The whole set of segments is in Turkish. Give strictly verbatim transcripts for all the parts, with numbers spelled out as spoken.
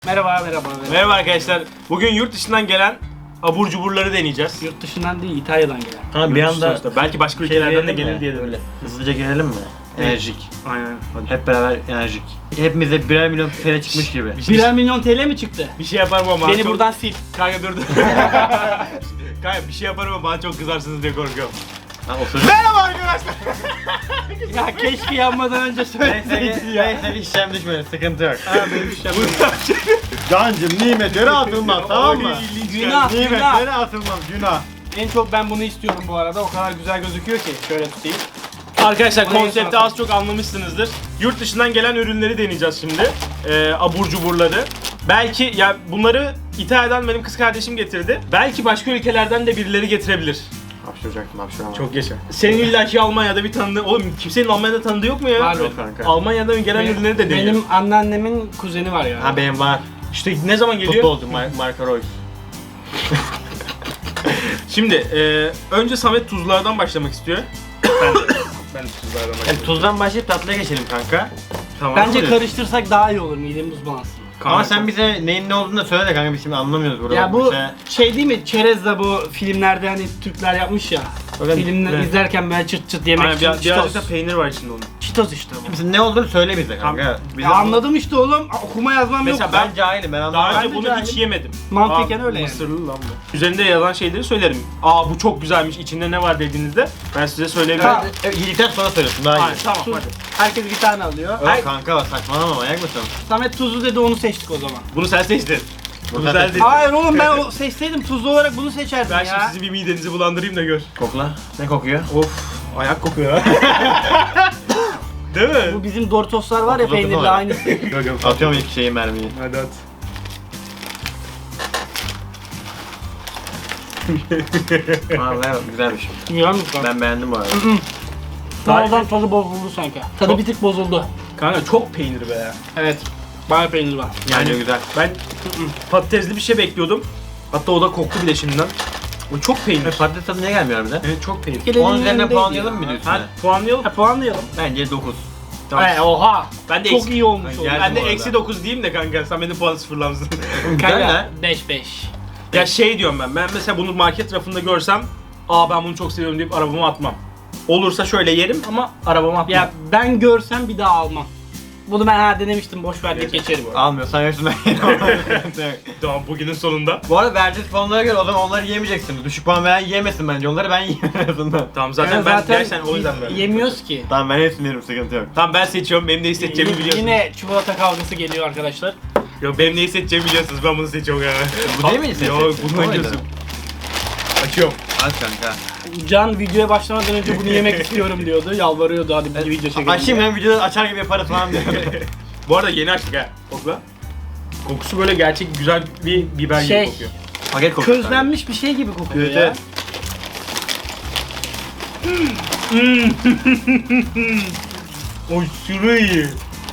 Merhaba, merhaba, merhaba. Merhaba arkadaşlar. Bugün yurt dışından gelen abur cuburları deneyeceğiz. Yurt dışından değil, İtalya'dan gelen. Ha, bir anda Sonuçta. Belki başka şey ülkelerden de diyelim gelir mi? diye de Öyle. Hızlıca girelim mi? Enerjik. Aynen. Hadi. Hep beraber enerjik. Hepimize birer milyon T L çıkmış gibi. Bir şey, Birer milyon T L mi çıktı? bir şey yaparım ama Beni çok- buradan sil. Kanka dur dur. Kanka bir şey yaparım ama bana çok kızarsınız diye korkuyorum. Ha, otur. Merhaba arkadaşlar. Ya keşke yanmadan önce Neyse söyleseydin ki, ya. neyse ki işlem düşmedi, sıkıntı yok. Ha benim işim. Cancım nimetlere atılmaz, tamam mı? Günah, günah. Nimetlere atılmaz, günah. En çok ben bunu istiyorum bu arada. O kadar güzel gözüküyor ki. Şöyle tutayım. Arkadaşlar Oraya konsepti sor. az çok anlamışsınızdır. Yurt dışından gelen ürünleri deneyeceğiz şimdi. Ee, abur cuburları. Belki ya bunları İtalya'dan benim kız kardeşim getirdi. Belki başka ülkelerden de birileri getirebilir. Hapşuracaktım, hapşuramadım. Çok yaşa. Senin illaki Almanya'da bir tanıdığı... Oğlum kimsenin Almanya'da tanıdığı yok mu ya? Var Yok kanka. Almanya'dan gelen ürünleri de deniyor. Benim anneannemin kuzeni var ya. Ha benim var. İşte ne zaman geliyor? Futbolcu Mar Marco Reus. Şimdi e, önce Samet tuzlardan başlamak istiyor. Ben de, ben de tuzlardan Yani başlayayım. tuzdan başlayıp tatlıya geçelim kanka. Tamam. Bence karıştırsak daha iyi olur. Midemiz bulansın. Ama sen bize neyin ne olduğunu da söyle de kanka, biz şimdi anlamıyoruz burada. Ya bu Mesela- şey değil mi? Çerezle bu filmlerde hani Türkler yapmış ya. Bakın, Filmler evet. izlerken böyle çıt çıt yemek Aynen, için bir, birazcık çitos. da peynir var içinde onun. Çitos işte bu. Mesela ne olduğunu söyle bize kanka. Bize Ya anladım işte oğlum. Okuma yazmam yok. Mesela Ben cahilim, ben Daha anlamadım. önce Ben de bunu cahilim. hiç yemedim. Mantıken Aa, öyle yani. Mısırlı lan bu. Üzerinde yazan şeyleri söylerim. Aa bu çok güzelmiş, içinde ne var dediğinizde ben size söyleyebilirim. Ha. Evet, yedikten sonra söylüyorsun daha iyi. Aynen, tamam Tuz. hadi. Herkes bir tane alıyor. Yok Ay- kanka saçmalama, manyak mısın? Samet tuzlu dedi, onu seçtik o zaman. Bunu sen seçtin. Bunu Bunu sen sen seçtin. seçtin. Hayır oğlum, ben o seçseydim tuzlu olarak bunu seçerdim Ben ya. şimdi sizin bir midenizi bulandırayım da gör. Kokla. Ne kokuyor? Of, ayak kokuyor ha. Değil mi? Bu bizim Doritoslar var ya, Dokuz dokuz peynirli olarak. aynısı. Yok yok. Atıyorum ilk şeyi, mermiyi. Hadi at. Vallahi güzelmiş. Güzel mi lan? Ben beğendim bu arada. Sonradan tadı bozuldu sanki. Tadı Çok- bir tık bozuldu. Kanka çok peynir be ya. Evet. Bayağı peynir var. Yani güzel. Ben patatesli bir şey bekliyordum. Hatta o da koktu bile şimdiden. O çok peynir. E, patates tadı niye gelmiyor bize? Evet çok peynir. Gelelim on üzerinden yanındaydı puanlayalım ya. mı diyorsun? Ha puanlayalım. Ha, puanlayalım. Bence dokuz. Tamam. He, oha. Ben de Çok eksi- iyi olmuş o. Geldim Ben de bu arada. eksi dokuz diyeyim de kanka sen benim puanı sıfırlamışsın. Güzel lan. beş beş. Ya şey diyorum ben, ben mesela bunu market rafında görsem aa ben bunu çok seviyorum deyip arabama atmam. Olursa şöyle yerim ama arabama atmam. Ya ben görsem bir daha almam. Bunu ben ha denemiştim, boş ver deyip geçerim. Almıyorsan yoksun ben yine. Tamam bugünün sonunda. Bu arada verdiğiniz puanlara göre o zaman onları yemeyeceksiniz. Düşük puan veren yemesin bence. Onları ben yiyeyim en azından. Tamam zaten Yani ben gerçekten o yüzden y- verdim. yemiyoruz ki. Tamam ben hepsini yerim, sıkıntı yok. Tamam ben seçiyorum, benim neyi seçeceğimi Y- biliyorsunuz. Yine çikolata kavgası geliyor arkadaşlar. Yok benim neyi seçeceğimi biliyorsunuz, ben bunu seçiyorum yani. Bu değil miydi senin Yok seçtiğin? bunu O muydu? oynuyorsun. Açıyorum. Az kanka. Can videoya başlamadan önce bunu yemek istiyorum diyordu. Yalvarıyordu, hadi bir video çekelim. Açayım ben videoda açar gibi yaparız falan diyor. Bu arada yeni açtık ha. Kokla. Kokusu böyle gerçek güzel bir biber Şey, gibi kokuyor. Paket kokuyor. Közlenmiş bir şey gibi kokuyor Evet, ya. evet. Oy şurayı iyi.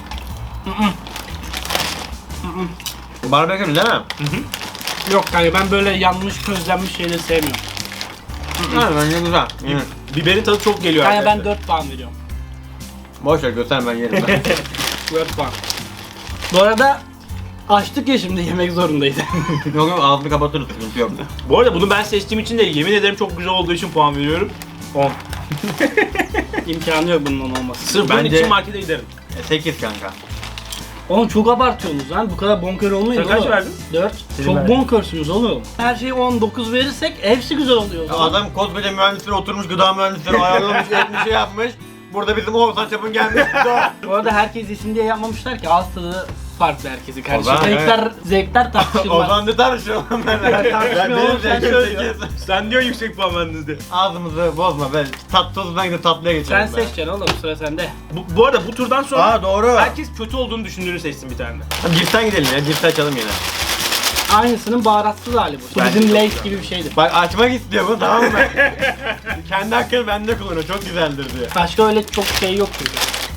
Barbekü değil mi? Yok kanka, ben böyle yanmış közlenmiş şeyleri sevmiyorum. Ha bence güzel. Hı. Biberin tadı çok geliyor Kanka ben arkadaşlar. dört puan veriyorum. Boş ver göster, ben yerim ben. dört puan. Bu arada açtık ya, şimdi yemek zorundayız. Yok yok, ağzını kapatırız, sıkıntı yok. Bu arada bunu ben seçtiğim için de yemin ederim çok güzel olduğu için puan veriyorum. on. İmkanı yok bunun olması. Sırf bunun Bence- için markete giderim. sekiz kanka. Oğlum çok abartıyorsunuz lan, bu kadar bonkör olmayın Sen kaç oğlum. verdin? dört. Çok verdim. bonkörsünüz oğlum. Her şeyi on dokuz verirsek hepsi güzel oluyor o Ya zaman. adam koskoca mühendisleri oturmuş, gıda mühendisleri ayarlamış, etmiş, şey yapmış. Burada bizim Oğuzhan Çapın gelmiş. Bu arada herkes yesin diye yapmamışlar ki, ağız tadı farklı herkesin kardeşim. zaman, Zevkler, zevkler tartışılmaz. Ozan ne tartışıyor oğlum ben? Ben tartışmıyorum oğlum, sen benim söyle. sekiz. Sen diyor yüksek puan verdiniz diye. Ağzımızı bozma, ben tat tozundan gidip tatlıya Sen geçelim. ben. seçeceksin oğlum, sıra sende. Bu, bu arada bu turdan sonra Aa doğru. herkes kötü olduğunu düşündüğünü seçsin bir tane de. Hadi cipsten gidelim ya, cipsi açalım yine. Aynısının baharatsız hali bu. Bu Bence bizim çok Lay's güzel. gibi bir şeydir. Bak açmak istiyor bu, tamam mı? Kendi hakkını bende kullanıyor, çok güzeldir diyor. Başka öyle çok şey yok çünkü.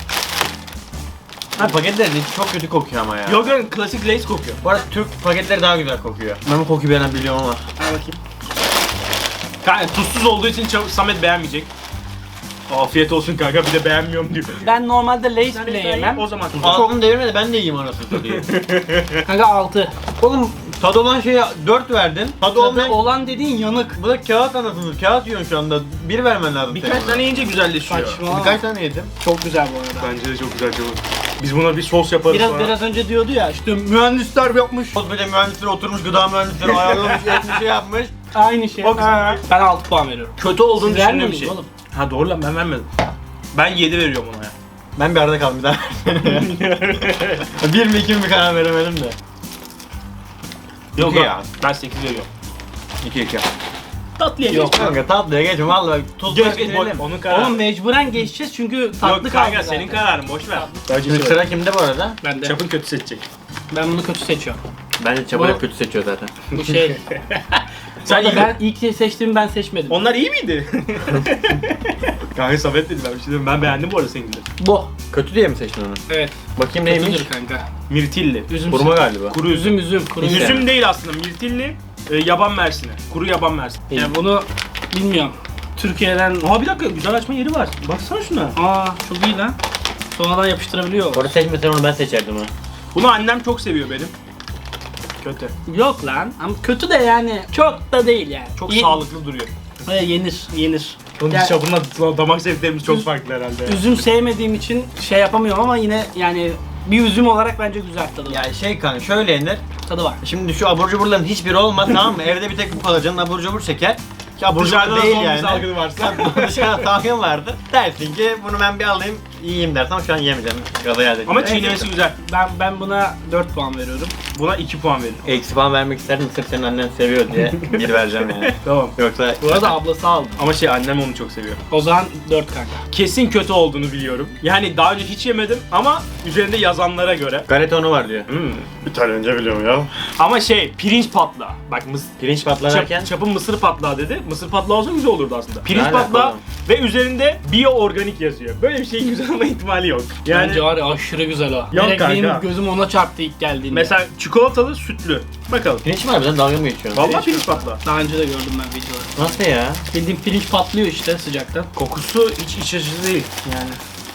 Ha paketlerin içi çok kötü kokuyor ama ya. Yok yok klasik Lay's kokuyor. Bu arada Türk paketleri daha güzel kokuyor. Ben bu kokuyu beğenen biliyorum ama. Al bakayım. Kanka tuzsuz olduğu için çab- Samet beğenmeyecek. Afiyet olsun kanka, bir de beğenmiyorum diyor. Ben normalde Lay's bile yemem. O zaman Ağzını devirme ben de yiyeyim anasını satayım. Kanka altı. Oğlum tadı olan şeye dört verdin. Tadı Tadı olmayan... olan dediğin yanık. Bu da kağıt anasını. Kağıt yiyorsun şu anda. Bir vermen lazım. birkaç senin. tane yiyince güzelleşiyor. Saçma. Birkaç tane yedim. Çok güzel bu arada. Bence de çok güzel çabuk. Biz buna bir sos yaparız Biraz sonra. biraz önce diyordu ya işte mühendisler yapmış. Koskoca mühendisler oturmuş, gıda mühendisleri ayarlamış, etmiş, şey yapmış. Aynı şey. O kısmı- Ben altı puan veriyorum. Kötü olduğunu Siz düşündüğüm bir vermiyorsunuz şey. oğlum. Ha doğru lan, ben vermedim. Ben yedi veriyorum ona ya. Ben bir arada kaldım bir daha. Bir mi iki mi karar veremedim de. Yok İki ya. ya. Ben sekiz veriyorum. İki iki. Tatlıya Yok. geç. Kanka tatlıya geçme vallahi tuz Geç koy geç. bitirelim. Onun kararı. Oğlum mecburen geçeceğiz çünkü tatlı Yok kaldı kanka, zaten. senin kararın, boş ver. Şimdi sıra kimde bu arada? Ben de. Çapın kötü seçecek. Ben bunu kötü seçiyorum. Bence Çabuk Bu- hep kötü seçiyor zaten. Bu şey. Sen Sen iyi. ben ilk seçtiğimi ben seçmedim. Onlar iyi miydi? Kanka Samet dedi, ben bir şey diyeyim. Ben beğendim bu arada seninkileri. Bu. Kötü diye mi seçtin onu? Evet. Bakayım neymiş? Kötüdür kanka. Mirtilli. Üzüm. Kuruma galiba. Kuru üzüm. Üzüm üzüm. Kuru Üzüm. üzüm. Üzüm değil aslında, mirtilli. E, yaban mersini. Kuru yaban mersini. Yani bunu bilmiyorum. Türkiye'den... Aa bir dakika, güzel açma yeri var. Baksana şuna. Aa çok iyi lan. Sonradan yapıştırabiliyor. Orada seçmesen onu ben seçerdim ha. Bunu annem çok seviyor benim. Kötü. Yok lan. Ama kötü de yani çok da değil yani. Çok Ye- sağlıklı duruyor. Ee, yenir, yenir. Onun Yani- çapınla damak zevklerimiz çok Üz- farklı herhalde. Üzüm sevmediğim için şey yapamıyorum ama yine yani bir üzüm olarak bence güzel tadı var. Ya şey kanka şöyle yenir. Tadı var. Şimdi şu abur cuburların hiçbiri olmaz tamam mı? Evde bir tek bu kalır canın abur cubur çeker. Ki abur Dışarıda cubur da değil son bir yani. salgını varsa. Dışarıda salgın vardır. Dersin ki bunu ben bir alayım yiyeyim dersin ama şu an yemeyeceğim. Gaza geldi. Ama çiğnemesi güzel. Ben ben buna dört puan veriyorum. Buna iki puan veririm. Eksi falan vermek isterdim sırf senin annen seviyor diye bir vereceğim yani. Tamam. Yoksa Bu arada ablası aldı. Ama şey, annem onu çok seviyor. O zaman dört kanka. Kesin kötü olduğunu biliyorum. Yani daha önce hiç yemedim ama üzerinde yazanlara göre. galetonu var diyor. Hmm. Bir tane önce biliyorum ya. Ama şey, pirinç patlağı. Bak mıs Pirinç patlarken Çap, çapın mısır patlağı dedi. Mısır patlağı olsa güzel olurdu aslında. Pirinç alaka patlağı oğlum? ve üzerinde biyo organik yazıyor. Böyle bir şeyin güzel olma ihtimali yok. Yani Bence var ya aşırı güzel o. Yok Direkt kanka. benim gözüm ona çarptı ilk geldiğinde. mesela çikolatalı sütlü. Bakalım. pirinç var bizden dalga mı geçiyorsun? Vallahi pirinç patlağı. Daha önce de gördüm ben videoları. Nasıl ya? Bildiğin pirinç patlıyor işte sıcaktan. Kokusu hiç iç açıcı değil yani.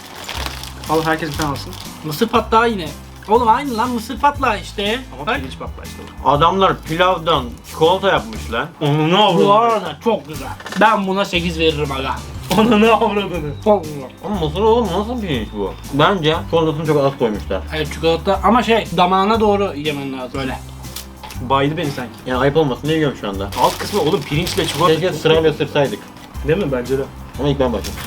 Al, herkes bir tane alsın. Mısır patlağı yine. Oğlum aynı lan mısır patlağı işte. Ama Bak. pirinç patlağı işte. Adamlar pilavdan çikolata yapmışlar. Onu ne Bu avradını? arada çok güzel. Ben buna sekiz veririm aga. Onu ne avradını? Çok güzel. Ama mısır oğlum nasıl pirinç bu? Bence çikolatasını çok az koymuşlar. Evet çikolata ama şey damağına doğru yemen lazım öyle. Baydı beni sanki. Yani ayıp olmasın diye yiyorum şu anda. Alt kısmı oğlum pirinçle çikolata. Keşke sırayla ısırsaydık. Değil mi? Bence de. Ama ilk ben başladım.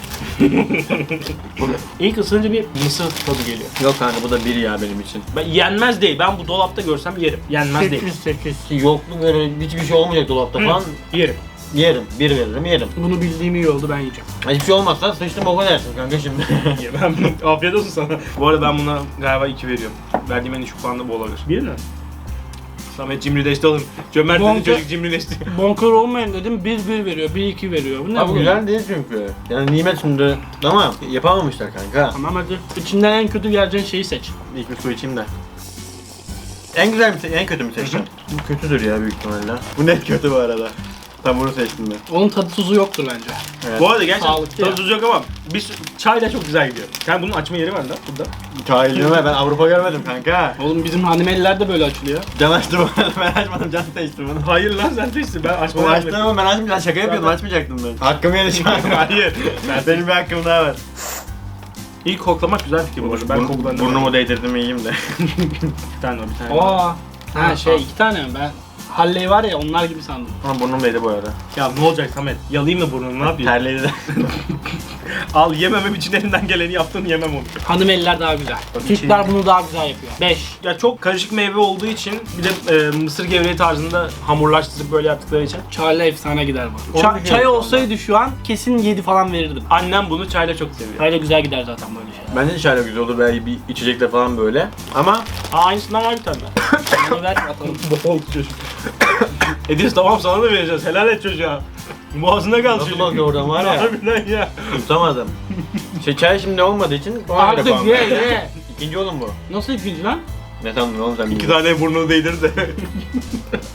İlk ısırınca bir mısır tadı geliyor. Yok kanka bu da bir ya benim için. Ben yenmez değil. Ben bu dolapta görsem yerim. Yenmez değil. sekiz. Yokluk böyle hiçbir şey olmayacak dolapta falan. Yerim. Yerim. Bir veririm yerim. Bunu bildiğim iyi oldu ben yiyeceğim. Hiçbir şey olmazsa sıçtım boka dersin kanka şimdi. Yemem. Afiyet olsun sana. Bu arada ben buna galiba iki veriyorum. Verdiğim en düşük puan da bu olabilir. Bir mi? Samet cimrileşti oğlum. Cömert dedi, Bonka- çocuk cimrileşti. Bonkör olmayın dedim bir bir veriyor, bir iki veriyor. Bu ne Abi bu? güzel değil çünkü. Yani nimet şimdi. Ama yapamamışlar kanka. Tamam hadi. İçinden en kötü geleceğin şeyi seç. İlk bir su içeyim de. En güzel mi, se- en kötü mü seçtin? Bu kötüdür ya büyük ihtimalle. Bu net kötü bu arada. Tam bunu seçtim ben. Onun tadı tuzu yoktur bence. Evet. Bu arada gerçekten Sağlıklı ya. tadı tuzu yok ama bir sü- çay da çok güzel gidiyor. Yani bunun açma yeri var da burada. Cahilliğime ben Avrupa görmedim kanka. Oğlum bizim hanımeliler de böyle açılıyor. Can açtı bunu, ben açmadım, Can seçti bunu. Hayır lan sen seçtin, ben Bu açmadan açtın ama ben açmayacağım, şaka yapıyordum, açmayacaktım ben. Hakkımı yedi şu an. Hayır. Ben Benim bir hakkım daha var. İlk koklamak güzel fikir bu arada. Ben kokudan Burnumu değdirdim yiyeyim de. Bir tane var, bir tane var. Aa. Ha şey iki tane mi ben? Halley var ya onlar gibi sandım. Ama burnum değdi bu arada. Ya ne olacak Samet? Yalayayım mı burnunu, ne yapayım? Terledi de. Al, yememem için elinden geleni yaptın, yemem onu. Hanımeliler daha güzel. Tabii Türkler şey- bunu daha güzel yapıyor. beş. Ya çok karışık meyve olduğu için bir de e, mısır gevreği tarzında hamurlaştırıp böyle yaptıkları için Çayla efsane gider bu. Onu Ça- biliyorum çay şu olsaydı şu an kesin yedi falan verirdim. annem bunu çayla çok seviyor. Çayla güzel gider zaten böyle şey. Bence de şöyle güzel olur belki bir içecekle falan böyle. Ama Aa, aynısından var bir tane. Bunu ver atalım. Bol çocuk. Edis tamam, sana da vereceğiz. Helal et çocuğa. Boğazına kal nasıl çocuk. bakıyor oradan var ya. Harbiden ya. Tutamadım. Şey çay şimdi olmadığı için ona göre Artık puan ye verdim. ye. İkinci oğlum bu. Nasıl ikinci lan? Ne sandın oğlum sen? İki tane burnunu değdir de.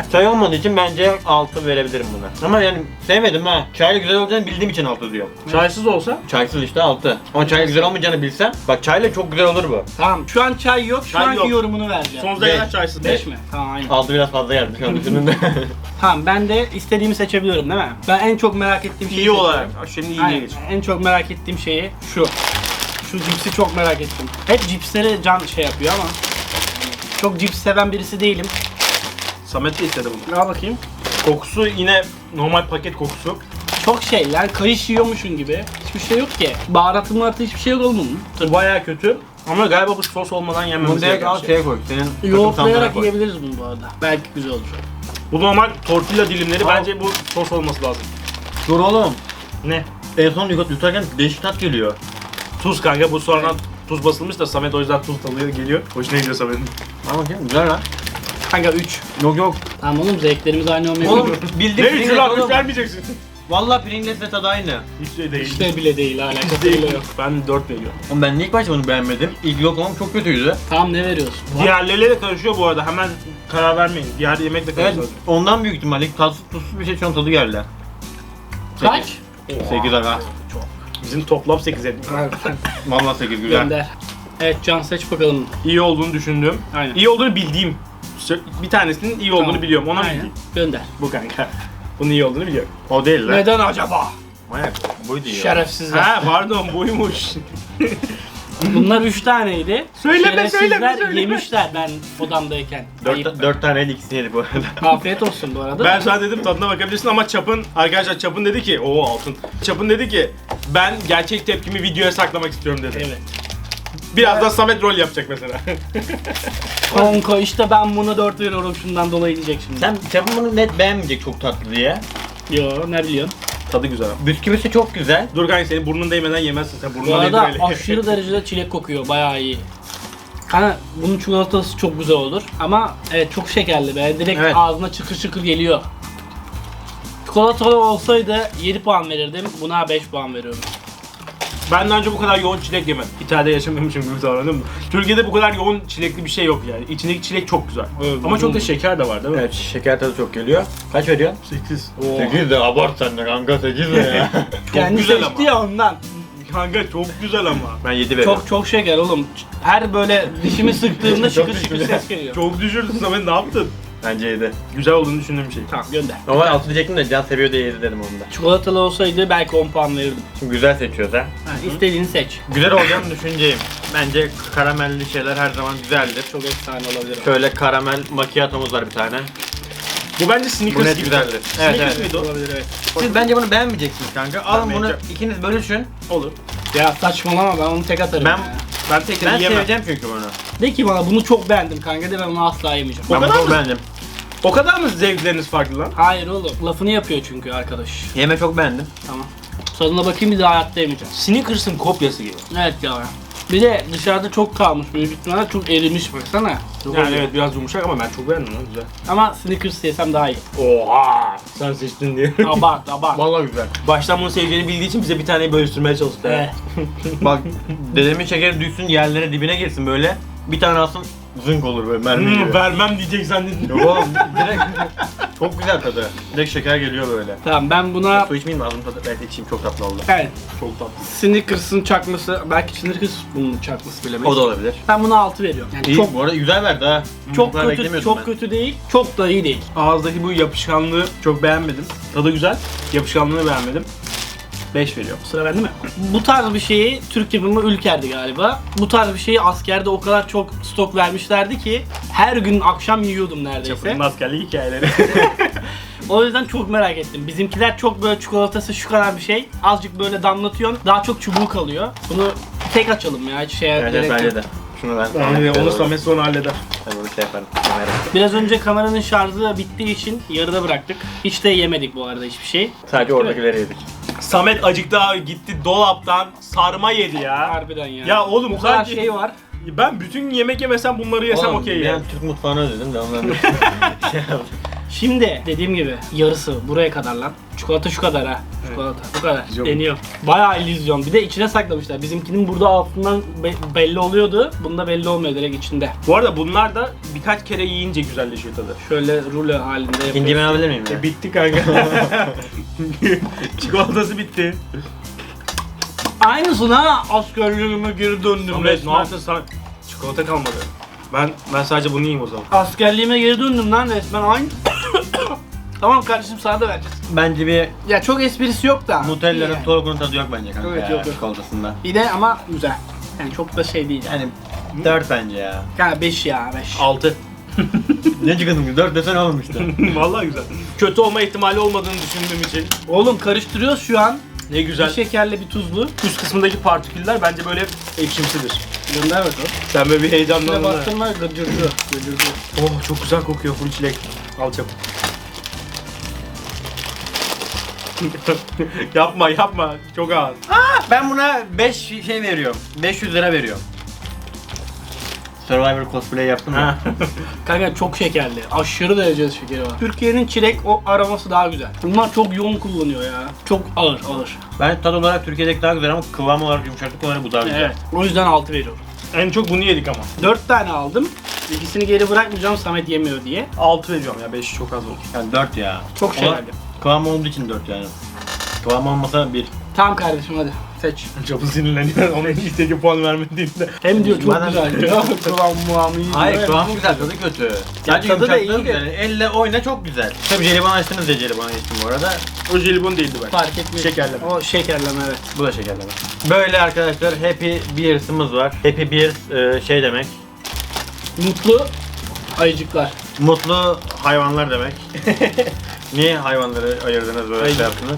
Çay olmadığı için bence altı verebilirim buna. Ama yani sevmedim ha. Çayla güzel olacağını bildiğim için altı diyorum. Çaysız olsa Çaysız işte altı. Ama çayla güzel olmayacağını bilsem, bak çayla çok güzel olur bu. Tamam şu an çay yok. Şu Çay anki yok. yorumunu vereceğim. sonsuza Beş. kadar çaysız. beş mi? Tamam aynen. altı biraz fazla geldi şu an düşündüm. Tamam ben de istediğimi seçebiliyorum değil mi? Ben en çok merak ettiğim şeyi İyi seçiyorum. olarak. Şimdi iyiye Aynen. geç. En çok merak ettiğim şeyi şu. Şu cipsi çok merak ettim. Hep cipsleri can şey yapıyor ama çok cips seven birisi değilim. Samet de istedi bunu. Al bakayım. Kokusu yine normal paket kokusu. Çok şey yani kayış yiyormuşun gibi. Hiçbir şey yok ki. Baharatı mıharatı hiçbir şey yok oğlum. Baya kötü. Ama galiba bu sos olmadan Bunu yenmemiz direkt gereken al bir şey. şeye koy. Senin takım sandığına Yoğurtlayarak koy. yiyebiliriz bunu bu arada. Belki güzel olur. Bu normal tortilla dilimleri, Al. bence bu sos olması lazım. Dur oğlum. Ne? En son yut- yutarken değişik tat geliyor. Tuz kanka, bu sonradan tuz basılmış da Samet o yüzden tuz alıyor geliyor. Hoşuna gidiyor Samet'in. Ama bakayım güzel lan. Kanka üç. Yok yok. Tamam oğlum zevklerimiz aynı olmayabilir. Oğlum bildiğin Ne üçü Pringles lan? Üç oğlum. vermeyeceksin. Valla Pringles'le tadı aynı. Hiç şey değil. İşte bile değil hala. Hiç değil. Ben dört veriyorum. Oğlum ben ilk başta bunu beğenmedim. İlk lokumum çok kötüydü. Tamam ne veriyorsun? Diğerleriyle de karışıyor bu arada. Hemen karar vermeyin. Diğer yemekle Evet, karışıyor. ondan büyük ihtimalle ilk tatsız tuzsuz bir şey şu an tadı geldi. Kaç? sekiz aga. Bizim toplam sekiz ettik. Valla sekiz güzel. Gönder. Evet Can seç bakalım. İyi olduğunu düşündüğüm, Aynen. iyi olduğunu bildiğim. Bir tanesinin iyi olduğunu Tamam. biliyorum. Ona Aynen. bildiğim. Gönder. Bu kanka. Bunun iyi olduğunu biliyorum. O değil lan. Neden acaba? Manyak. Buydu ya. Şerefsizler. Ha pardon, buymuş. Bunlar üç taneydi. Söyleme, Şerefsizler söyleme, söyleme. yemişler ben odamdayken. Dört, Ayıp. dört taneydi ikisini yedik bu arada. Afiyet olsun bu arada. Ben sana dedim tadına bakabilirsin ama Çapın, arkadaşlar Çapın dedi ki, o altın. Çapın dedi ki, ben gerçek tepkimi videoya saklamak istiyorum dedi. Evet. Birazdan Samet rol yapacak mesela. Konko işte ben bunu dört veriyorum şundan dolayı diyecek şimdi. Sen Çapın bunu net beğenmeyecek çok tatlı diye. Yo ne biliyorsun? Tadı güzel ama. Bisküvisi çok güzel. Dur kanka, senin burnun değmeden yemezsin sen. Bu Burnuna arada değdir öyle. aşırı derecede çilek kokuyor bayağı iyi. Kanka bunun çikolatası çok güzel olur ama evet çok şekerli be direkt Evet. ağzına çıkır çıkır geliyor. Çikolatalı olsaydı yedi puan verirdim buna beş puan veriyorum. Ben daha önce bu kadar yoğun çilek yemedim. İtalya'da yaşamıyormuşum gibi davrandım. Türkiye'de bu kadar yoğun çilekli bir şey yok yani. İçindeki çilek çok güzel. Evet, Ama çok da uzun. şeker de var değil mi? Evet şeker tadı çok geliyor. Kaç veriyorsun? sekiz. sekiz de abart sen de kanka sekiz de ya. Kendi güzel seçti ama. ya ondan. Kanka çok güzel ama. Ben yedi veriyorum. Çok çok şeker oğlum. Her böyle dişimi sıktığımda Çok şıkır şıkır düştü. ses geliyor. Çok düşürdün Samet, ne yaptın? Bence yedi. Güzel olduğunu düşündüğüm bir şey. Tamam gönder. Normal altı diyecektim de Can seviyor diye yedi dedim onu da. Çikolatalı olsaydı belki on puan verirdim. Şimdi güzel seçiyoruz ha. Ha, istediğini seç. Güzel olacağını düşüneceğim. Bence karamelli şeyler her zaman güzeldir. Çok efsane olabilir. Şöyle karamel macchiato'muz var bir tane. Bu bence Bu Snickers net gibi. güzeldir. Snickers Evet evet. miydi o? Olabilir evet. Siz bence bunu beğenmeyeceksiniz kanka. Alın bunu beğeneceğim. ikiniz bölüşün. Olur. Ya saçmalama ben onu tek atarım Ben- ya. Ben tekrar Ben yiyemem. seveceğim çünkü bunu. De ki bana bunu çok beğendim kanka de ben onu asla yemeyeceğim. O Ben kadar bunu mı? beğendim. O kadar mı zevkleriniz farklı lan? Hayır oğlum lafını yapıyor çünkü arkadaş. Yeme çok beğendim. Tamam. Tadına bakayım bir daha hayatta yemeyeceğim. Snickers'ın kopyası gibi. Evet ya. Bir de dışarıda çok kalmış büyük ihtimalle çok erimiş baksana. Çok Yani eriyor. evet biraz yumuşak ama ben çok beğendim lan, güzel. Ama Snickers yesem daha iyi. Oha! Sen seçtin diye. Abart abart. Vallahi güzel. Baştan bunu seveceğini bildiği için bize bir taneyi bölüştürmeye çalıştı. Evet. Bak dedemin şekeri düşsün yerlere dibine girsin böyle. Bir tane alsın zınk olur böyle mermi Hmm, gibi. vermem diyecek zannettim. Yok oğlum direkt çok güzel tadı. Direkt şeker geliyor böyle. Tamam ben buna Su içmeyeyim mi? Ağzım tadı. Evet içeyim çok tatlı oldu. evet. Çok tatlı. Snickers'ın çakması belki Snickers bunun çakması bilemeyiz. O da olabilir. Ben buna altı veriyorum. Yani İyi çok bu arada güzel verdi ha. çok Bu kadar kötü beklemiyordum çok ben. kötü değil. Çok da iyi değil. Ağızdaki bu yapışkanlığı çok beğenmedim. Tadı güzel. Yapışkanlığını beğenmedim. beş veriyorum. Sıra bende mi? Bu tarz bir şeyi Türk yapımı Ülker'di galiba. Bu tarz bir şeyi askerde o kadar çok stok vermişlerdi ki her gün akşam yiyordum neredeyse. Çapının askerlik hikayeleri. O yüzden çok merak ettim. Bizimkiler çok böyle çikolatası şu kadar bir şey. Azıcık böyle damlatıyorsun. Daha çok çubuğu kalıyor. Bunu tek açalım ya. Hiç şeye Evet, gerek evet yok. bence de. Şunu ben. Yani onu Samet sonra halleder. Ben bunu şey yaparım. Kamerayı. Biraz önce kameranın şarjı bittiği için yarıda bıraktık. Hiç de yemedik bu arada hiçbir şey. Sadece oradakileri yedik. Samet acıktı abi, gitti dolaptan sarma yedi ya. Harbiden ya. Ya oğlum bu kadar sanki- şey var. Ben bütün yemek yemesem bunları yesem Oğlum, okey ben yani. Türk mutfağını özledim de ondan şey yaptım. Şimdi dediğim gibi yarısı buraya kadar lan. Çikolata şu kadar ha. Çikolata bu kadar. İllüzyon. Deniyor. Bayağı illüzyon. Bir de içine saklamışlar. Bizimkinin burada altından be- belli oluyordu. Bunda belli olmuyor, direkt içinde. Bu arada bunlar da birkaç kere yiyince güzelleşiyor tadı. Şöyle rulo halinde yapıyoruz. İkinci ben alabilir miyim ya? E, bitti kanka. Çikolatası bitti. Aynısına askerliğime geri döndüm Ahmet ne resmen. yaptın sana? Çikolata kalmadı. Ben ben sadece bunu yiyeyim o zaman. Askerliğime geri döndüm lan resmen aynı. Tamam kardeşim, sana da vereceğiz. Bence bir Ya çok esprisi yok da. Nutella'nın İyi yani. Torku'nun tadı yok bence kanka Evet, ya, yok, yok. çikolatasında. Bir de ama güzel. Yani çok da şey değil yani. Yani dört bence ya. Yani beş ya beş. altı. Ne çıkasın ki? dört desen oğlum işte. Vallahi güzel. Kötü olma ihtimali olmadığını düşündüğüm için. Oğlum karıştırıyoruz şu an. Ne güzel. Bir şekerli bir tuzlu. Üst kısmındaki partiküller bence böyle ekşimsidir. Gönder bakalım. Sen böyle bir Şuna heyecanlandın. ha. baktın var gıcırdı. Gıcırdı. Oh çok güzel kokuyor full çilek. Al çabuk. yapma yapma çok ağır. Ben buna beş şey veriyorum. beş yüz lira veriyorum. Survivor cosplay yaptım ya. Ha. Kanka çok şekerli. Aşırı derecede şekeri var. Türkiye'nin çilek o aroması daha güzel. Bunlar çok yoğun kullanıyor ya. Çok ağır ağır. Ben tat olarak Türkiye'deki daha güzel ama kıvam olarak, yumuşaklık olarak bu daha güzel. Evet. O yüzden altı veriyorum. En çok bunu yedik ama. dört tane aldım. İkisini geri bırakmayacağım Samet yemiyor diye. altı veriyorum ya beş çok az oldu. Yani dört ya. Çok Ama şekerli. kıvam olduğu için dört yani. Kıvam olmasa bir. Tamam kardeşim hadi seç. Çok sinirleniyor onun istediği puan vermediğinde. Hem diyor çok Bana- güzel diyor. Kıvam muamı iyi Hayır diyor. kıvamı güzel, tadı kötü. Sadece tadı da yumuşaklığı iyi de. güzel. Elle oyna çok güzel. Tabii jelibon açtınız ya, jelibon geçtim bu arada. O jelibon değildi ben. Fark etmiyor. Şekerleme. O şekerleme evet. Bu da şekerleme. Böyle arkadaşlar Happy Beers'ımız var. Happy Beers e, şey demek. Mutlu ayıcıklar. Mutlu hayvanlar demek. Niye hayvanları ayırdınız böyle Ayıcık. şey yaptınız?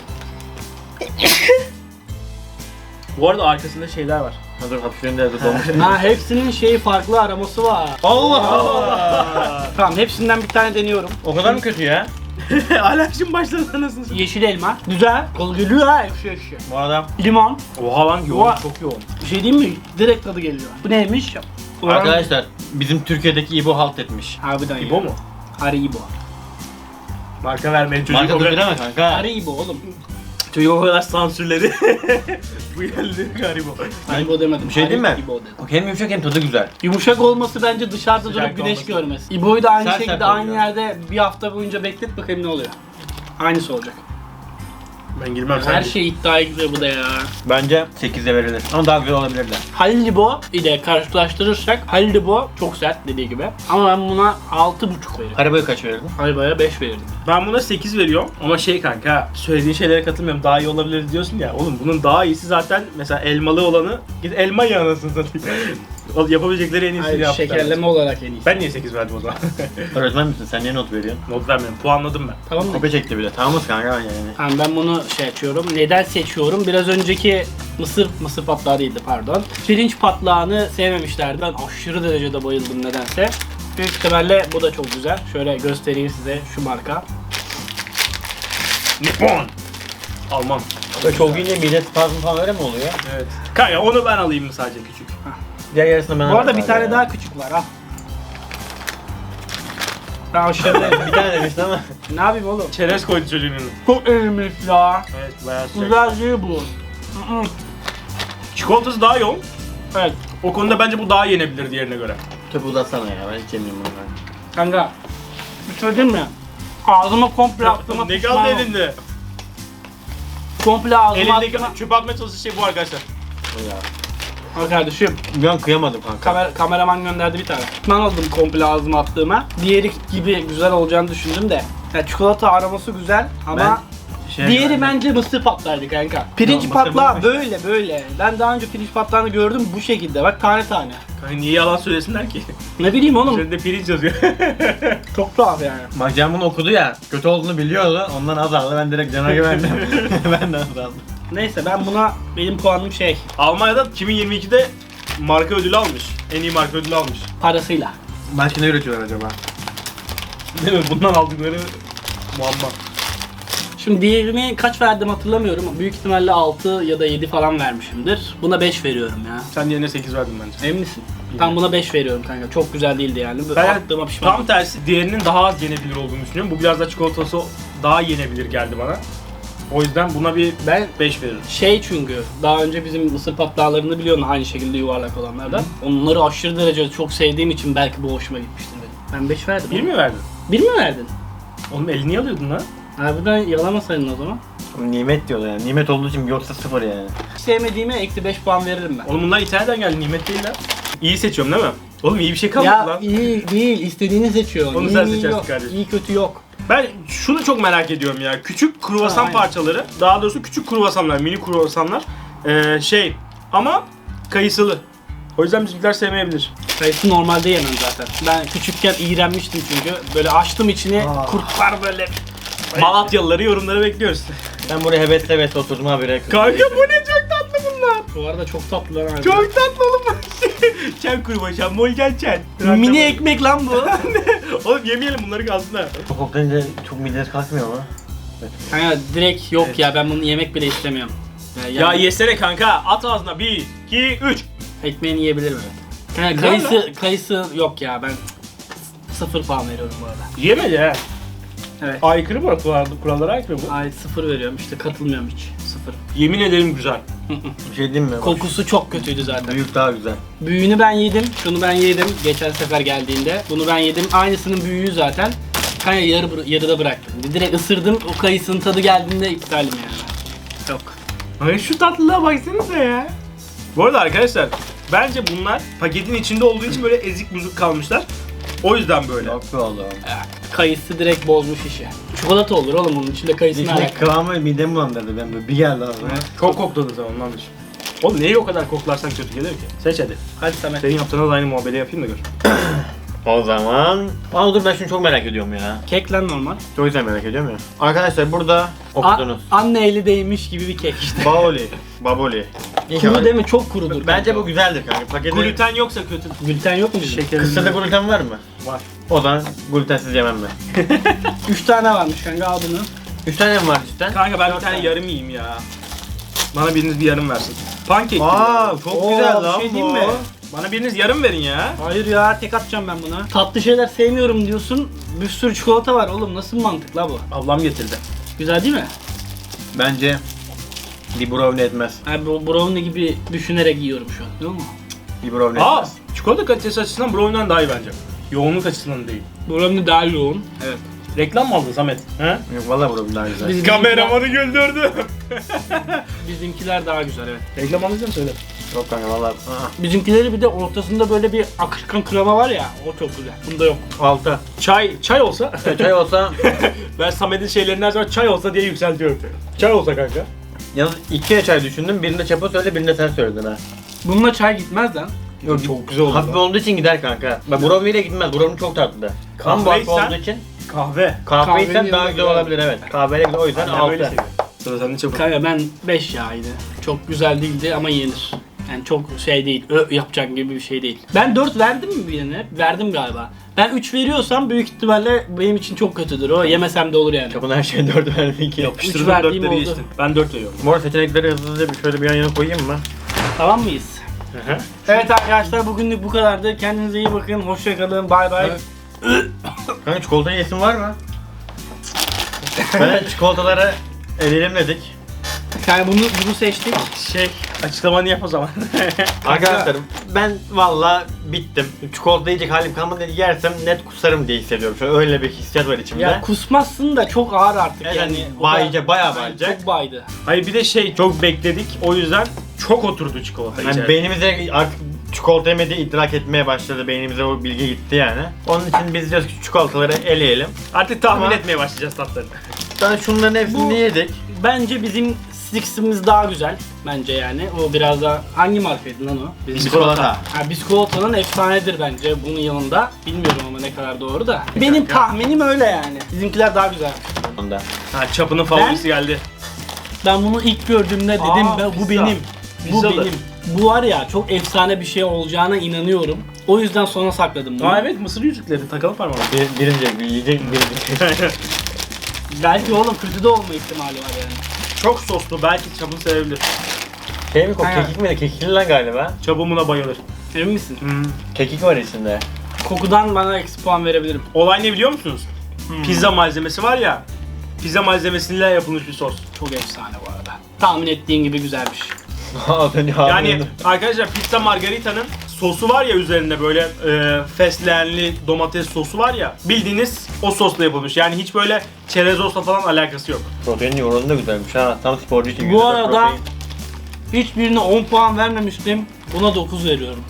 Bu arada arkasında şeyler var. Hazır hapşırınca yazık olmuş. Ha hepsinin şeyi farklı aroması var. Allah Allah! Tamam hepsinden bir tane deniyorum. O kadar mı kötü ya? Alerjim başladı anasını satayım. Yeşil elma. Güzel. Kol geliyor ha ekşi ekşi. Bu adam Limon. Oha lan yoğun Oha. çok yoğun. Bir şey diyeyim mi? Direkt tadı geliyor. Bu neymiş? Ulan- arkadaşlar bizim Türkiye'deki İbo halt etmiş. Harbiden ya. İbo mu? Haribo. Marka vermeyin çocuğu. Marka o kadar- durdurama kanka. Haribo oğlum. Çocuğu o kadar sansürledi. Bu geldi garibo. Haribo demedim. Bir şey diyeyim mi? Haribo dedim. Hem yumuşak hem tadı güzel. Yumuşak olması bence dışarıda Sıcak durup güneş olması. görmesi. İbo'yu da aynı Sert şekilde sert aynı oluyor. yerde bir hafta boyunca beklet bakayım ne oluyor. Aynısı olacak. Ben girmem Her sen. şey iddiaya gidiyor bu da ya. Bence sekize verilir. Ama daha güzel olabilirler. Haribo ile karşılaştırırsak Haribo çok sert dediği gibi. Ama ben buna altı buçuk veririm. Haribo'ya kaç verirdin? Haribo'ya beş verirdim. Ben buna sekiz veriyorum ama şey kanka söylediğin şeylere katılmıyorum, daha iyi olabilir diyorsun ya. Oğlum bunun daha iyisi zaten mesela elmalı olanı git elma ye anasını satayım. O yapabilecekleri en iyisini Hayır, yaptılar. şekerleme olarak en iyisi. Ben niye sekiz verdim o zaman? Öğretmen misin? Sen niye not veriyorsun? Not vermiyorum. Puanladım ben. Tamam mı? Kopya çekti bile. Tamamız kanka ben yani. Tamam ben bunu şey açıyorum. Neden seçiyorum? Biraz önceki mısır, mısır patlağı değildi pardon. Pirinç patlağını sevmemişlerdi. Ben aşırı derecede bayıldım nedense. Büyük ihtimalle bu da çok güzel. Şöyle göstereyim size şu marka. Nippon. Alman. Böyle çok yiyince mide spazmı falan öyle mi oluyor? Evet. Kanka onu ben alayım mı sadece küçük? Diğer yarısını ben Bu arada alayım bir tane ya. daha küçük var al. Ben aşırı Bir tane demiştin ama. ne yapayım oğlum? Çerez koydu çocuğun önüne. Çok eğilmiş ya. Evet bayağı sıcak. Güzel değil bu. Hı hı. Çikolatası daha yoğun. Evet. O konuda bence bu daha yenebilir diğerine göre. Töpü uzatsana ya, ben hiç yemiyorum bunu. Kanka. Bir şey diyeyim mi? Ağzıma komple attığıma Ne pişman kaldı oldum. elinde? Komple ağzıma Elindeki attığıma... çöpe atmaya çalıştığı şey bu arkadaşlar. Ya. Al kardeşim. Bir an kıyamadım kanka. Kamer kameraman gönderdi bir tane. Pişman oldum komple ağzıma attığıma. Diğeri gibi güzel olacağını düşündüm de. Ya çikolata aroması güzel ama Şey diğeri ben- bence mısır patlaydı kanka. Pirinç mısır patlağı bulmuş. böyle böyle. Ben daha önce pirinç patlağını gördüm bu şekilde. Bak tane tane. Kanka niye yalan söylesinler ki? Ne bileyim oğlum. Üzerinde pirinç yazıyor. Çok tuhaf yani. Bak Can bunu okudu ya, kötü olduğunu biliyordu, ondan az aldı, ben direkt Can'a güvendim. Ben de az aldım. Neyse ben buna benim puanım şey Almanya'da iki bin yirmi ikide marka ödülü almış. En iyi marka ödülü almış. parasıyla. Başka ne üretiyorlar acaba? Değil mi? Bundan aldıkları muamma. Şimdi diğerini kaç verdim hatırlamıyorum. Büyük ihtimalle altı ya da yedi falan vermişimdir. Buna beş veriyorum ya. Sen yerine sekiz verdin bence. Emin misin? Ben buna beş veriyorum kanka. Çok güzel değildi yani. Böyle Ben attığıma pişman. tam tersi diğerinin daha az yenebilir olduğunu düşünüyorum. Bu biraz da çikolatası daha yenebilir geldi bana. O yüzden buna bir Ben beş veririm. şey çünkü daha önce bizim mısır patlağlarını biliyorsun aynı şekilde yuvarlak olanlardan. Onları aşırı derecede çok sevdiğim için belki bu hoşuma gitmiştir benim. Ben beş verdim. Bir mi verdin? Bir mi verdin? Oğlum elini alıyordun lan. Harbiden yalamasaydın o zaman. Nimet diyorlar yani. Nimet olduğu için yoksa sıfır yani. Hiç sevmediğime eksi beş puan veririm ben. Oğlum bunlar İtalya'dan geldi, nimet değil lan. İyi seçiyorum değil mi? Oğlum iyi bir şey kalmadı Ya lan. iyi değil, istediğini seçiyorsun. Onu İyi sen mi, iyi seçersin yok. kardeşim. İyi kötü yok. Ben şunu çok merak ediyorum ya. Küçük kruvasan Ha, aynen. parçaları, daha doğrusu küçük kruvasanlar, mini kruvasanlar. Ee, şey ama kayısılı. O yüzden bizimkiler sevmeyebilir. Kayısı normalde yemem zaten. Ben küçükken iğrenmiştim çünkü. Böyle açtım içini, Aa. kurtlar böyle. Malatyalıları yorumlara bekliyoruz. Ben buraya heves heves oturdum habire. Kanka bu ne çok tatlı bunlar. Bu arada çok tatlılar abi. Çok tatlı oğlum bu. Çen kruvasan, molgen çen. Mini ekmek lan bu. Oğlum yemeyelim bunları kalsın ha. Çok koklayınca çok mideniz kalkmıyor mu? Kanka direkt yok ya ben bunu yemek bile istemiyorum. Ya, Ya yani yesene kanka, at ağzına. bir, iki, üç. ekmeğini yiyebilirim evet. Kanka Güzel kayısı, kayısı yok ya ben sıfır puan veriyorum bu arada. Yemedi ha. Evet. Aykırı mı kurallara, kurallara aykırı bu? Ay sıfır veriyorum işte katılmıyorum hiç. Sıfır. Yemin ederim güzel. Bir şey diyeyim mi? Bak, Kokusu çok kötüydü zaten. büyük daha güzel. Büyüğünü ben yedim, şunu ben yedim geçen sefer geldiğinde. Bunu ben yedim, aynısının büyüğü zaten. Kanka yarı, bıra- yarıda bıraktım. Direkt ısırdım, o kayısının tadı geldiğinde iptalim yani. Yok. Ay şu tatlılığa baksanıza ya. Bu arada arkadaşlar, bence bunlar paketin içinde olduğu için böyle ezik buzuk kalmışlar. O yüzden böyle. Çok be oğlum. Ya, kayısı direkt bozmuş işi. Çikolata olur oğlum bunun içinde kayısı ne İçindeki alaka? kıvamı midemi bulandırdı ben böyle bir geldi ağzıma. Çok kokladı sen ondandır. Oğlum neyi o kadar koklarsan kötü gelir ki? Seç hadi. Hadi Samet. Senin yaptığına da aynı muhabbeti yapayım da gör. O zaman... Aa dur ben şunu çok merak ediyorum ya. Kek lan normal. Çok güzel merak ediyorum ya. Arkadaşlar burada A- okudunuz. anne eli değmiş gibi bir kek işte. Baoli. Baboli. Kuru değil mi? Çok kurudur. Bence kanka. bu güzeldir kanka. Paketi... Gluten yoksa kötü. Gluten yok mu bizim? Şeker. Kısırda gluten var mı? Var. O zaman glutensiz yemem ben. Üç tane varmış kanka al bunu. Üç tane mi var cidden? Kanka ben bir tane yarım yiyeyim ya. Bana biriniz bir yarım versin. Pankek gibi. Aa çok Oo, güzel bir lan şey bu. diyeyim mi? Bana biriniz yarım verin ya. Hayır ya tek atacağım ben buna. Tatlı şeyler sevmiyorum diyorsun. Bir sürü çikolata var oğlum nasıl bir mantık la bu? Ablam getirdi. Güzel değil mi? Bence bir brownie etmez. Abi bu brownie gibi düşünerek yiyorum şu an. Değil mi? Bir brownie Aa, etmez. çikolata kalitesi açısından brownie'den daha iyi bence. Yoğunluk açısından değil. Brownie daha yoğun. Evet. Reklam mı aldın Samet? He? Yok valla brownie daha güzel. Biz- Kameramanı güldürdü. Bizimkiler daha güzel evet. Reklam alacağım söyle. Yok kanka valla. Aa. Bizimkileri bir de ortasında böyle bir akışkan krema var ya o çok güzel. Bunda yok. Altı. Çay, çay olsa. Çay olsa Ben Samet'in şeylerini her zaman çay olsa diye yükseltiyorum. Çay olsa kanka. yalnız iki çay düşündüm. Birinde çapa söyle, birinde sen söyledin ha. Bununla çay gitmez lan. Yok Çok güzel oldu. hafif olduğu için gider kanka. Bak brownie ile gitmez. Brownie çok tatlı. Ama bu hafif Kahveysen- olduğu için Kahve. kahve Kahvenin içsen daha yanında güzel güzel. olabilir evet. Kahveyle güzel o yüzden Ben böyle altı. seviyorum. Sıra sende çabuk. Kanka ben beş yağydı. Çok güzel değildi ama yenir. Yani çok şey değil, ö yapacak gibi bir şey değil. Ben dört verdim mi birine? Verdim galiba. Ben üç veriyorsam büyük ihtimalle benim için çok kötüdür o. Yemesem de olur yani. Çapın her şeye dört verdi ki. Yapıştırdım verdiğim dörtleri oldu. geçtin. Ben dört veriyorum. Bu arada seçenekleri hızlıca bir şöyle bir yan yana koyayım mı? Tamam mıyız? Hı hı. Evet arkadaşlar bugünlük bu kadardı. Kendinize iyi bakın. Hoşça kalın. Bay bay. Evet. Kanka çikolata yesin var mı? Ben çikolataları elimledik. Yani bunu bunu seçtik. Şey, açıklamanı yap o zaman. Arkadaşlar ben valla bittim. Çikolata yiyecek halim kalmadı. Yersem net kusarım diye hissediyorum. Şöyle öyle bir hissiyat var içimde. Ya kusmazsın da çok ağır artık Evet, yani. yani O da- bayacak, bayağı Yani bayacak. Çok baydı. Hayır bir de şey, çok bekledik. O yüzden çok oturdu çikolata Yani içeri. beynimize artık çikolata yemediği idrak etmeye başladı. Beynimize o bilgi gitti yani. Onun için biz diyoruz ki çikolataları eleyelim. Artık tahmin Ama- etmeye başlayacağız tatlarını. Sonra şunların hepsini Bu- yedik. Bence bizim Six'imiz daha güzel. Bence yani. O biraz da hangi markaydı lan o? Bizim Biskolata. Ha, Biskolota'nın efsanedir bence bunun yanında. Bilmiyorum ama ne kadar doğru da. Benim tahminim öyle yani. Bizimkiler daha güzel. Onda. Ha, çapının favorisi geldi. Ben bunu ilk gördüğümde dedim Aa, ben, bu pizza. benim. Bu Pizzalı. benim. Bu var ya çok efsane bir şey olacağına inanıyorum. O yüzden sona sakladım bunu. Aa evet, mısır yüzükleri takalım parmağına. Bir, birinci yiyecek birinci. Belki oğlum kötü de olma ihtimali var yani. Çok soslu, belki Çabuk sevebilir. Şey mi kok? Aynen. Kekik mi? Kekikli lan galiba. Çabuk buna bayılır. Emin misin? Hmm. Kekik var içinde. Kokudan bana eksi puan verebilirim. Olay ne biliyor musunuz? Pizza malzemesi var ya, pizza malzemesiyle yapılmış bir sos. Çok efsane bu arada. Tahmin ettiğin gibi güzelmiş. Az önce Yani arkadaşlar pizza margarita'nın sosu var ya üzerinde böyle e, fesleğenli domates sosu var ya, bildiğiniz o sosla yapılmış. Yani hiç böyle çerezosla falan alakası yok. protein oranı da güzelmiş ha. Tam sporcu için Bu güzel arada protein. hiçbirine on puan vermemiştim. Buna dokuz veriyorum.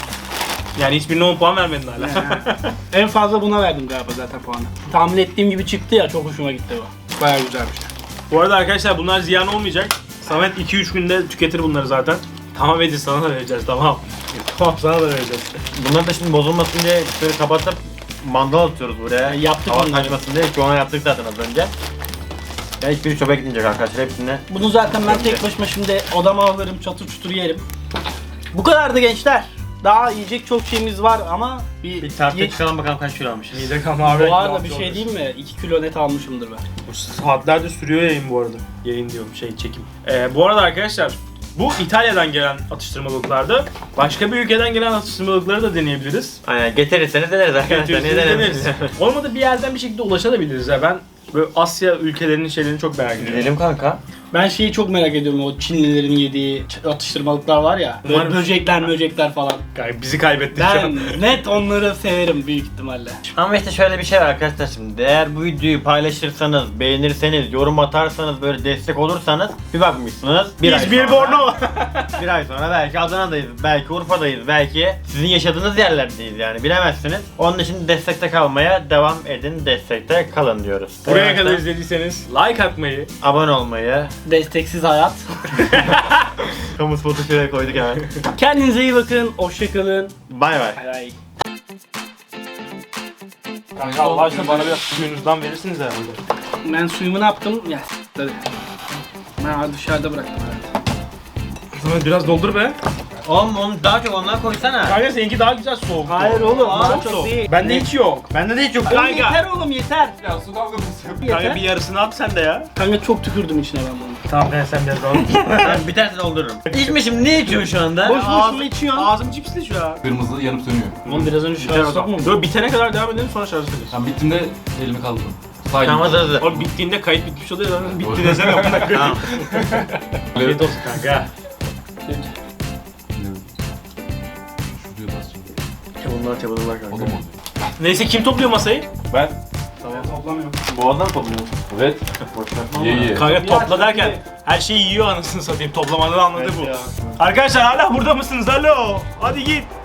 Yani hiçbirine on puan vermedin hala. En fazla buna verdim galiba zaten puanı. Tahmin ettiğim gibi çıktı ya, çok hoşuma gitti bu. Bayağı güzelmiş. Bu arada arkadaşlar bunlar ziyan olmayacak. Samet iki üç günde tüketir bunları zaten. Tamam Edi, sana da vereceğiz, tamam. Tamam, sana da vereceğiz. Bunlar da şimdi bozulmasın diye şöyle kapatıp mandal atıyoruz buraya. Yaptık Hava onları. kaçmasın diye. Şu an yaptık zaten az önce. Ya hiçbiri çöpe gitmeyecek arkadaşlar hepsini. Bunu zaten ben tek başıma şimdi odama alırım, çatır çutur yerim. Bu kadardı gençler. Daha yiyecek çok şeyimiz var ama bir, Bir tartıya ye- çıkalım bakalım kaç kilo almışız. Mide kalma abi. Bu arada bir şey diyeyim mi? iki kilo net almışımdır ben. Bu saatlerdir sürüyor yayın bu arada. Yayın diyorum, şey çekim. Ee, bu arada arkadaşlar bu İtalya'dan gelen atıştırmalıklardı. Başka bir ülkeden gelen atıştırmalıkları da deneyebiliriz. Aynen getirirseniz deneriz arkadaşlar. Niye Getirirseniz denemeyiz? deneriz. Olmadı bir yerden bir şekilde ulaşabiliriz ya. Ben böyle Asya ülkelerinin şeylerini çok merak ediyorum. Gidelim kanka. Ben şeyi çok merak ediyorum, o Çinlilerin yediği ç- atıştırmalıklar var ya. Böyle Umarım- böcekler böcekler falan. Kay- Bizi kaybettik şu Ben an. net onları severim büyük ihtimalle. Ama işte şöyle bir şey var arkadaşlar şimdi. Eğer bu videoyu paylaşırsanız, beğenirseniz, yorum atarsanız, böyle destek olursanız bir bakmışsınız. Bir ay İzmir sonra- Bornova. Bir ay sonra belki Adana'dayız, belki Urfa'dayız, belki sizin yaşadığınız yerlerdeyiz yani bilemezsiniz. Onun için destekte kalmaya devam edin, destekte kalın diyoruz. Buraya Evet, kadar izlediyseniz like atmayı, abone olmayı, Desteksiz hayat. kamu spotu şuraya koyduk hemen. Kendinize iyi bakın, hoşça kalın. Bay bay. Bay bay. kanka Allah aşkına bana biraz suyunuzdan verirsiniz herhalde. Ben suyumu ne yaptım? Ya s**tleri. Ben dışarıda bıraktım herhalde. Samet biraz doldur be. Oğlum onu daha çok ondan koysana. Kanka seninki daha güzel soğuk. Hayır oğlum, Aa, daha çok çok soğuk. değil. Bende hiç yok. Bende de hiç yok. Oğlum Kanka. yeter oğlum yeter. Ya su kavgası yapıyor. Kanka Yeter. bir yarısını at sen de ya. Kanka çok tükürdüm içine ben bunu. Tamam ben sen biraz daha. Ben bir tanesini doldururum. İçmişim, ne içiyorsun şu anda? Boş Ağzım- boşuna içiyorsun. Ağzım cipsli şu an. Kırmızı yanıp sönüyor. Oğlum biraz önce Biter o şarj zaman. sokma. Dur bitene kadar devam edelim sonra şarj ederiz. Tam bittiğinde elimi kaldırdım. Sağ Tamam elim. hazır hazır. Oğlum bittiğinde kayıt bitmiş oluyor zaten. Bitti desene amına koyayım. Tamam. Afiyet olsun kanka. Şuraya basacağım. Bunlar çabaladılar O da kanka. mı oluyor? Neyse kim topluyor masayı? Ben. Toplamıyorum. Boğazdan topluyorsun. Evet. Ye ye. Kanka topla derken her şeyi yiyor anasını satayım. Toplamanın anladığı bu. Arkadaşlar hala burada mısınız? Alo. Hadi git.